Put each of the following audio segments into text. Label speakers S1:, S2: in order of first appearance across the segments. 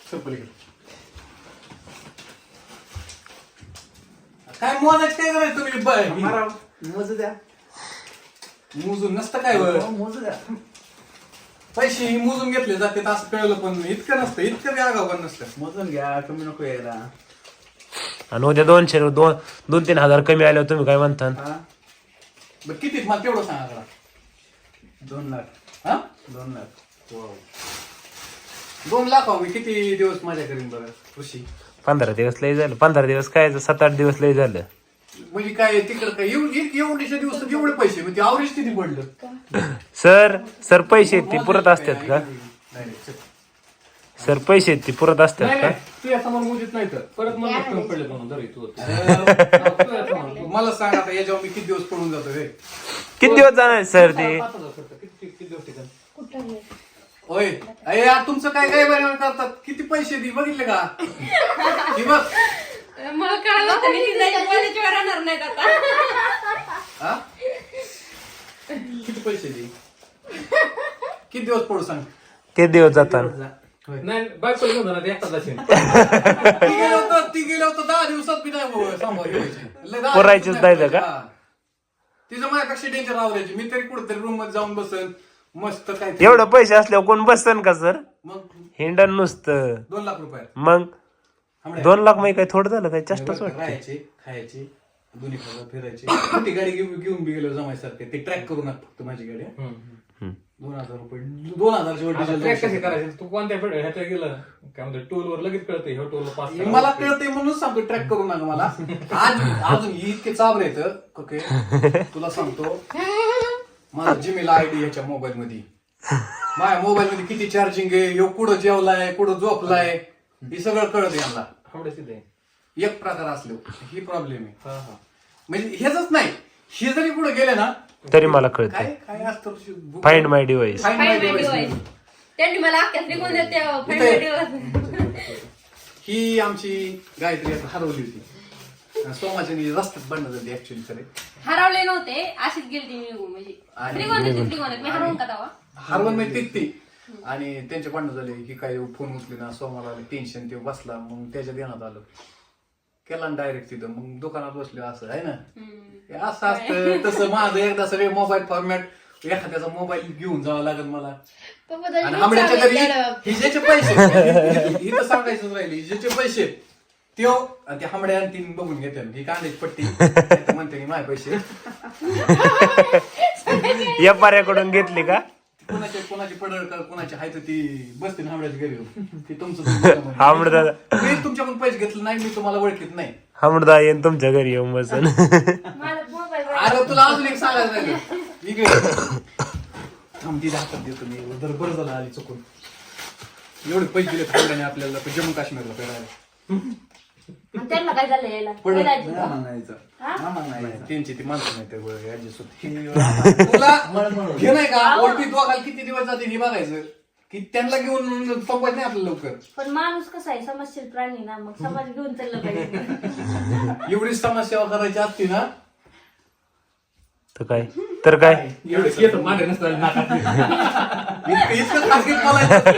S1: काय मोजायचं काय करायचं तुम्ही
S2: मोजू द्या.
S1: मोजून नसतं काय
S2: मोजू द्या.
S1: पैसे ही मोजून घेतले जाते असं कळलं पण इतकं नसतं इतकं बी आगाव पण नसतं.
S2: मोजून घ्या, कमी नको यायला.
S3: आणि उद्या 200-3 हजार कमी आल्यावर तुम्ही काय म्हणता?
S1: बरं किती मला तेवढं सांगा जरा.
S2: 2 लाख.
S1: हा
S2: 2 लाख.
S1: 2 लाख मी किती दिवस माझ्या करीन बरं कृषी.
S3: 15 दिवस लय झालं. 15 दिवस काय 7-8 दिवस लय झालं.
S1: म्हणजे काय तिकडं काय एवढीच्या दिवसात एवढे पैसे म्हणजे आवरेज किती पडलं.
S3: सर पैसे ते पुरत असतात का? सर पैसे ते पुरत असतात का?
S4: तुझ्या समोर मुलीत नाही तर परत मला कमी पडले म्हणून जरी तू
S1: मला सांग आता याच्यावर मी किती दिवस पडून जातो रे.
S3: किती दिवस जाणार सर ते?
S4: 5,000 खर्च किती दिवस ठिकाण
S1: होय अरे यार तुमचं काय काय बरं करतात किती पैसे दे बघितले का ही बघ
S5: मला कळलं होतं मी ती जायची कॉलेजवर राहणार नाहीत आता.
S1: हा किती पैसे दे किती दिवस पडू सांग.
S3: किती दिवस जातात?
S4: नाही बायको घेऊन जाणार एकटाच जाशील.
S1: ती गेलं होतं 10 दिवसात बी नाही सांभाळ
S3: पुरायचीच नाही का?
S1: तिचं माझ्यापेक्षा डेंजर आवडायची मी तरी कुठेतरी रूम मध्ये जाऊन बसन मस्त काय
S3: एवढं पैसे असल्यावर कोण बसन का सर?
S1: मग
S3: हिंडन नुसतं.
S1: 2 लाख रुपये
S3: मग 2 लाख मध्ये काय थोडं झालं काय? चष्टाच वाटतं.
S1: राहायचे खायचे दोन्ही फिरायचे मोठी गाडी घेऊन बी गेलो जमायसारखे ते ट्रॅक करू नका फक्त माझी गाडी 2,000 रुपये 2,000ची
S4: ट्रॅक कशी
S1: वड्डी
S4: करायची तू कोणत्या ह्याच्या गेलं काय म्हणते टोल वर लगेच कळतं ह्या टोल 5
S1: मला कळतंय म्हणून सांगतो ट्रॅक करू नका मला अजून इतके चाबरे येत ओके तुला सांगतो माझा जीमेल आयडी ह्याच्या मोबाईल मध्ये माझ्या मोबाईल मध्ये किती चार्जिंग आहे ह्यो कुठं जेवलाय कुठं झोपलाय हे सगळं कळत यांना एक प्रकार असलो ही प्रॉब्लेम आहे. म्हणजे हेच नाही हे जरी पुढे गेले ना
S3: तरी मला कळतं.
S1: काय काय असतं
S3: find my device.
S1: Find my
S5: Find my
S1: device.
S5: device. त्यांनी मला अख्ख्या त्रिकोण देते Find my device.
S1: ही आमची गायत्री आता हरवली होती सोमाची रस्त्यात बनत होती ऍक्च्युअली खरे
S5: हरवले नव्हते अशीच गेली निघून म्हणजे त्रिकोण मी हरवून का तेव्हा
S1: हरवून म्हणजे ती आणि त्यांचे भांडण झाले की काय फोन उचले ना सोमाला टेन्शन ते बसला मग त्याच्या देण्यात आलं केला ना डायरेक्ट तिथं मग दुकानात बसले असं आहे ना हे असं असतं तसं माझं एकदा सगळे मोबाईल फॉर्मॅट एखाद्याचा मोबाईल घेऊन जावं लागेल मला आणि आंबड्याच्या घरी हिजेचे पैसे इथं सांगायचं राहिले हिजेचे पैसे त्यो आणि ते आंबड्या आणि तीन बघून घेते ही कांद्याची पट्टी म्हणते की माझे पैसे
S3: या पाऱ्याकडून घेतली का?
S1: कोणाची पडळ कोणाची हाय तर ती बसते ना आंबड्याच्या घरी ती तुमचं
S3: हामडदा
S1: मी तुमच्याकडून पैसे घेतले नाही मी तुम्हाला ओळखीत नाही
S3: हामडदा येईन तुमच्या घरी येऊन बसन.
S1: अरे तुला अजून एक सांगायचं राहिलं इकडे थांब तिथे हातात देतो मी बरं झालं आली चुकून एवढे पैसे दिले थांबल्याने आपल्याला जम्मू काश्मीरला फिरायला
S5: त्यांना काय झालं यायला
S1: त्यांची ती माणसं नाही तुला हे नाही का ओळखी दोघाला किती दिवस जाते हे बघायचं की त्यांना घेऊन संपत नाही आपलं लवकर.
S5: पण माणूस कसा आहे समजशील प्राणी ना मग समाज घेऊन चाललं पाहिजे.
S1: एवढी समाजसेवा करायची असती ना
S3: तर काय
S4: एवढं मागे नसतं
S1: इतकं खासगीत बोलायचं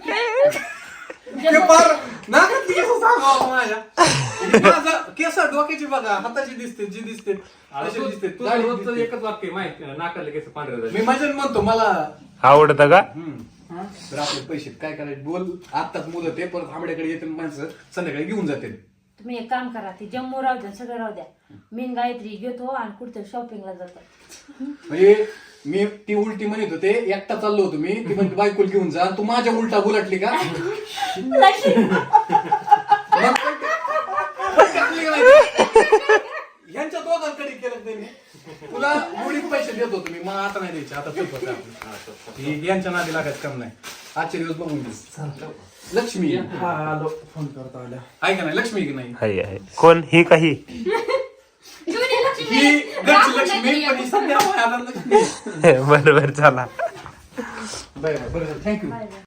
S1: ते फार नाकात केस सांगावं माझ्या माझं केस डोक्याची बघा हाताची दिसते जी दिसते अशी दिसते
S4: तुझं रोजचं एकच वाक्य माहिती नाकाले केस पांढरे झाले.
S1: मी मजा म्हणतो मला
S3: आवडतं का?
S1: तर आपले पैसे काय करायचे बोल आत्ताच मुदत आहे परत आंबड्याकडे येते माणसं संध्याकाळी घेऊन जाते.
S5: तुम्ही एक काम करा ती जम्मू राहू द्या सगळं राहू द्या मी गायत्री घेतो आणि कुठे शॉपिंगला जातो.
S1: म्हणजे मी ती उलटी म्हणत होते एकटा चाललो होतो मी ती म्हणजे बायकोल घेऊन जा तू माझ्या उलटा उलटली का यांच्या दोघांकडे केलं त्यांनी तुला मुळीत पैसे देत होतो मी मला आता नाही द्यायचे आता चुक यांच्या नादी लागायचं काम नाही आजचे दिवस बघून घे. लक्ष्मी
S2: फोन करता आल्या
S1: आहे का नाही लक्ष्मी की नाही
S3: आहे कोण ही काही
S1: ही घरची लक्ष्मी पण ही सध्या लक्ष्मी
S3: बरोबर चला
S1: बरं थँक्यू.